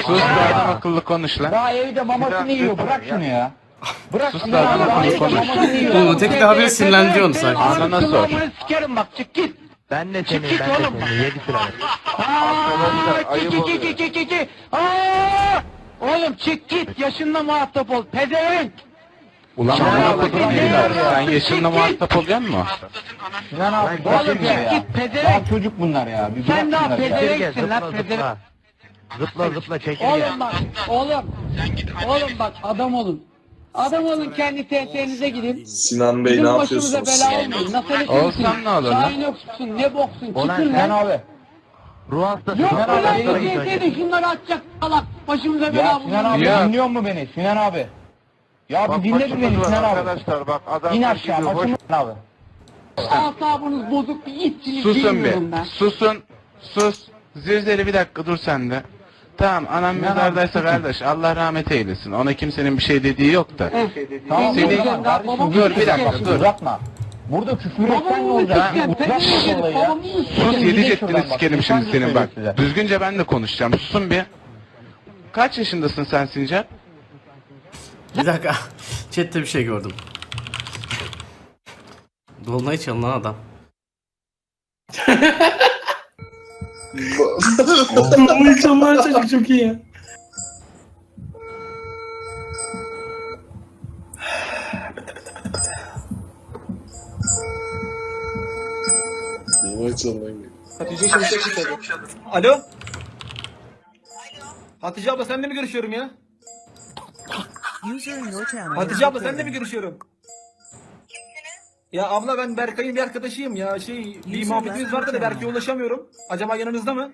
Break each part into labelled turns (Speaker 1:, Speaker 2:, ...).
Speaker 1: Sus da adam akıllı konuş lan.
Speaker 2: Daha evde mamasını yiyor. Bırak şunu ya. Bırak
Speaker 1: Sus
Speaker 2: şunu
Speaker 1: da
Speaker 2: ya.
Speaker 1: adam
Speaker 2: Daha
Speaker 1: akıllı
Speaker 2: evde
Speaker 1: konuş.
Speaker 2: mamasını yiyor.
Speaker 3: Bu öteki de haberi sinirlendiriyor sen.
Speaker 1: Anana sor.
Speaker 4: Sikerim bak çık git.
Speaker 5: Ben de
Speaker 4: Çık
Speaker 5: seni,
Speaker 4: git
Speaker 5: ben de
Speaker 4: oğlum.
Speaker 5: seni. 7 sıralık.
Speaker 4: Oğlum çık git yaşınla muhatap ol. Pezevenk.
Speaker 1: Ulan
Speaker 4: Sen
Speaker 1: muhatap
Speaker 4: abi,
Speaker 1: değiller. Sen
Speaker 4: çık
Speaker 1: yaşınla
Speaker 4: git.
Speaker 1: muhatap oluyor musun?
Speaker 2: Sinan abi
Speaker 4: Oğlum
Speaker 2: bırakın ya.
Speaker 4: çık git pezevenk.
Speaker 2: Daha çocuk bunlar ya. Bir
Speaker 4: Sen
Speaker 2: bırak
Speaker 4: daha
Speaker 2: şunları ya.
Speaker 4: pezevenksin lan
Speaker 5: Zıpla
Speaker 4: pezevenk.
Speaker 5: zıpla. Zıpla zıpla çekirge.
Speaker 6: Oğlum bak, oğlum bak adam olun. Adam olun kendi TT'nize gidin.
Speaker 7: Sinan Bey
Speaker 6: Bizim
Speaker 7: ne
Speaker 6: başımıza
Speaker 7: yapıyorsunuz?
Speaker 6: bela olmayın. Nasıl
Speaker 1: Olsam ne olur lan?
Speaker 6: Şahin yoksun, ne boksun,
Speaker 5: Ulan
Speaker 6: çıkın
Speaker 2: Sinan
Speaker 6: lan.
Speaker 2: abi.
Speaker 5: Ruh hastası.
Speaker 6: Yok
Speaker 5: Sinan
Speaker 6: mu
Speaker 5: abi,
Speaker 6: lan
Speaker 5: sana
Speaker 6: bu
Speaker 5: git önce.
Speaker 6: TT'de şunları atacak salak. Başımıza
Speaker 2: Ya
Speaker 6: bela
Speaker 2: Sinan abi
Speaker 1: Ya.
Speaker 2: dinliyor mu beni? Sinan abi. Ya bir dinle bir beni Sinan abi.
Speaker 8: Arkadaşlar bak adam
Speaker 2: İn aşağı başım abi.
Speaker 6: Asabınız bozuk bir itçilik
Speaker 1: Susun
Speaker 6: bilmiyorum
Speaker 1: bir.
Speaker 6: ben.
Speaker 1: Susun. Sus. Zirzeli bir dakika dur sen de. Tamam anam
Speaker 2: Sinan abi,
Speaker 1: mezardaysa
Speaker 2: susun.
Speaker 1: kardeş Allah rahmet eylesin. Ona kimsenin bir şey dediği yok da.
Speaker 2: Tamam
Speaker 1: Seni-
Speaker 2: o zaman kardeşim
Speaker 6: Babamı
Speaker 1: dur, bir dakika,
Speaker 2: bak,
Speaker 1: dur.
Speaker 2: uzatma. Burada küfür etsen ne
Speaker 6: Babamı
Speaker 2: olacak?
Speaker 6: sikeceğim,
Speaker 2: Uzatma
Speaker 6: ben sikeceğim,
Speaker 2: olayı ya.
Speaker 6: babamı sikeceğim.
Speaker 1: Sus
Speaker 2: Gidin
Speaker 1: yedi ceddini
Speaker 2: şuradan bak,
Speaker 1: sikerim şimdi
Speaker 2: insan
Speaker 1: senin bak.
Speaker 2: söylüyor size.
Speaker 1: Düzgünce ben de konuşacağım. Susun bir. Kaç yaşındasın sen Sincar?
Speaker 3: Bir dakika. Chat'te bir şey gördüm. Dolunay çalınan adam.
Speaker 7: Bu insanlar çocuk çok iyi ya. Vay canına.
Speaker 9: Hatice Şimşek çıkadı. Alo? Hatice abla senle mi görüşüyorum ya? Hatice abla senle mi görüşüyorum? Ya abla ben Berkay'ın bir arkadaşıyım ya. Bir muhabbetimiz vardı da Berkay'a ulaşamıyorum. Acaba yanınızda mı?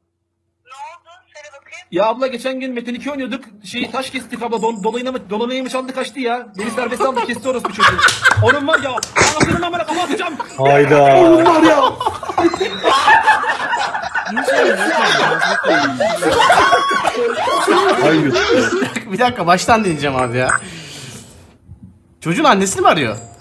Speaker 9: Ya abla geçen gün Metin 2 oynuyorduk. Taş kestik abla. Dolanayı mı çaldı kaçtı ya. Beni serbest aldı kesti orospu çocuğu. Onun var ya. Anasının amına kafa atacağım.
Speaker 7: Hayda.
Speaker 9: Onun var ya.
Speaker 7: Hayır.
Speaker 3: Bir dakika baştan dinleyeceğim abi ya. Çocuğun annesini mi arıyor?